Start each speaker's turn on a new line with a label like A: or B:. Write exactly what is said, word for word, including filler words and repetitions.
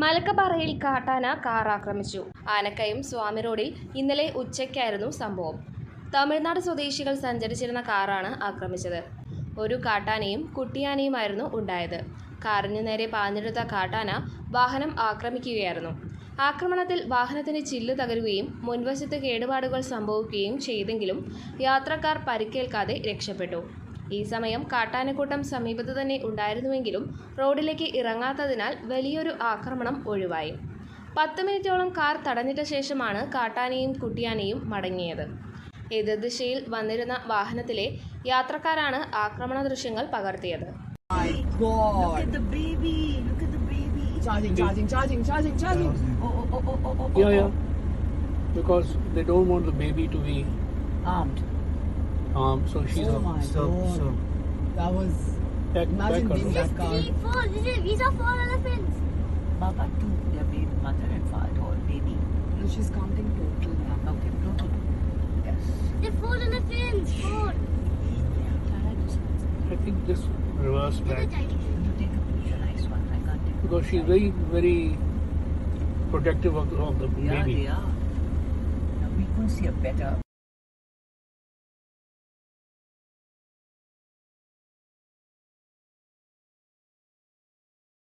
A: മലക്കപ്പാറയിൽ കാട്ടാന കാർ ആക്രമിച്ചു. ആനക്കയം സ്വാമി റോഡിൽ ഇന്നലെ ഉച്ചയ്ക്കായിരുന്നു സംഭവം. തമിഴ്നാട് സ്വദേശികൾ സഞ്ചരിച്ചിരുന്ന കാറാണ് ആക്രമിച്ചത്. ഒരു കാട്ടാനയും കുട്ടിയാനയുമായിരുന്നു ഉണ്ടായത്. കാറിനു നേരെ പാഞ്ഞെടുത്ത കാട്ടാന വാഹനം ആക്രമിക്കുകയായിരുന്നു. ആക്രമണത്തിൽ വാഹനത്തിന് ചില്ല് തകരുകയും മുൻവശത്ത് കേടുപാടുകൾ സംഭവിക്കുകയും ചെയ്തെങ്കിലും യാത്രക്കാർ പരിക്കേൽക്കാതെ രക്ഷപ്പെട്ടു. ഈ സമയം കാട്ടാനക്കൂട്ടം സമീപത്ത് തന്നെ ഉണ്ടായിരുന്നുവെങ്കിലും റോഡിലേക്ക് ഇറങ്ങാത്തതിനാൽ വലിയൊരു ആക്രമണം ഒഴിവായി. പത്ത് മിനിറ്റോളം കാർ തടഞ്ഞിട്ട ശേഷമാണ് കാട്ടാനയും കുട്ടിയാനയും മടങ്ങിയത്. എതിർദിശയിൽ വന്നിരുന്ന വാഹനത്തിലെ യാത്രക്കാരാണ് ആക്രമണ ദൃശ്യങ്ങൾ പകർത്തിയത്.
B: Charging, charging, charging, charging, charging. Oh, oh, oh, oh, oh, oh.
C: Yeah, yeah. Because they don't want the baby to be
B: Armed.
C: armed, so she's
B: Oh
C: a
B: my
D: Stop,
B: God.
D: stop.
B: That was.
C: back,
B: Imagine
C: back
B: being
C: her.
B: that car.
E: Three, four. This is, these are four elephants.
D: Baba, two. Their baby, mother and father, or baby.
B: No, she's counting total now.
D: Okay, total. Yes.
E: They're four elephants. Four.
C: I think just reverse
E: Look
C: back
E: at that.
D: You take a picture, nice one. I can't take a
C: because she's very, very protective of the, of the
D: Yeah,
C: baby.
D: they are. Now, we couldn't see a better